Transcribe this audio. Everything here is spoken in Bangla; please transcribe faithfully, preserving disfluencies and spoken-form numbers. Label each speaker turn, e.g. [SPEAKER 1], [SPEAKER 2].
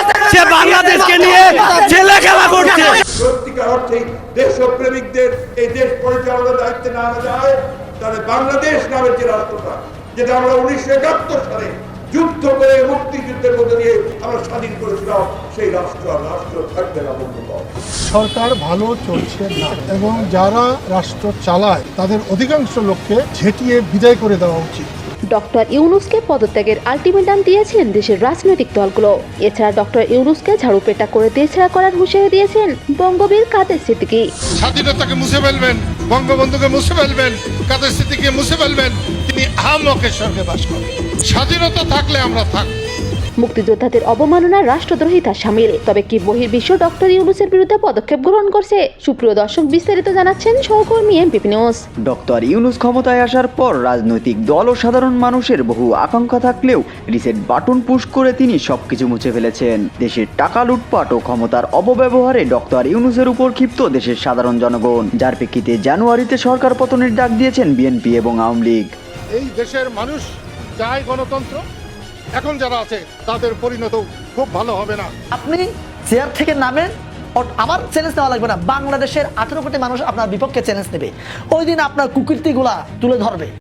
[SPEAKER 1] সে বাংলাদেশকে নিয়ে ছেলে খেলা করছে।
[SPEAKER 2] সত্যিকার অর্থে দেশপ্রেমিকদের এই দেশ পরিচালনার দায়িত্বে না আনা যায়, তাহলে বাংলাদেশ নামের যে রাষ্ট্রটা, যেটা আমরা উনিশশো একাত্তর সালে যুদ্ধ করে মুক্তিযুদ্ধের মধ্যে দিয়ে আমরা স্বাধীন করেছিলাম, সেই রাষ্ট্র আর রাষ্ট্র থাকবে না। বন্ধুগণ,
[SPEAKER 3] সরকার ভালো চলছে না এবং যারা রাষ্ট্র চালায় তাদের অধিকাংশ লোককে ঝেঁটিয়ে বিদায় করে দেওয়া উচিত।
[SPEAKER 4] ডক্টর ইউনূসকে পদত্যাগের আলটিমেটাম দিয়েছেন দেশের রাজনৈতিক দলগুলো। এছাড়া ডক্টর ইউনূসকে ঝাড়ুপেটা করে দেশছাড়া করার হুঁশিয়ারি দিয়েছেন বঙ্গবীর কাদের সিদ্দিকী।
[SPEAKER 5] স্বাধীনতাকে মুছে ফেলবেন, বঙ্গবন্ধুকে মুছে ফেলবেন, কাদের সিদ্দিকীকে মুছে ফেলবেন, তিনি আহাম্মকের স্বর্গে বাস করেন। স্বাধীনতা থাকলে আমরা থাকব।
[SPEAKER 4] মুক্তিযোদ্ধাদের অবমাননা রাষ্ট্রদ্রোহিতা শামিল। তবে কি বহির্বিশ্ব ডক্টর ইউনূসের বিরুদ্ধে পদক্ষেপ গ্রহণ করছে? সুপ্রিয় দর্শক, বিস্তারিত জানাচ্ছেন সহকর্মী এমপিপি নিউজ।
[SPEAKER 6] ডক্টর ইউনূস ক্ষমতায় আসার পর রাজনৈতিক দল ও সাধারণ মানুষের বহু আকাঙ্ক্ষা থাকলেও রিসেট বাটন পুশ করে তিনি সবকিছু মুছে ফেলেছেন। দেশের টাকা লুটপাট ও ক্ষমতার অপব্যবহারে ডক্টর ইউনূসের উপর ক্ষিপ্ত দেশের সাধারণ জনগণ, যার প্রেক্ষিতে জানুয়ারিতে সরকার পতনের ডাক দিয়েছেন বিএনপি এবং আওয়ামী লীগ।
[SPEAKER 5] এই দেশের মানুষ চায় গণতন্ত্র, এখন যারা আছে তাদের পরিণত খুব ভালো হবে না।
[SPEAKER 7] আপনি চেয়ার থেকে নামেন, আমার চ্যালেঞ্জ নেওয়া লাগবে না, বাংলাদেশের আঠারো কোটি মানুষ আপনার বিপক্ষে চ্যালেঞ্জ নেবে, ওই দিন আপনার কুকীর্তিগুলা তুলে ধরবে।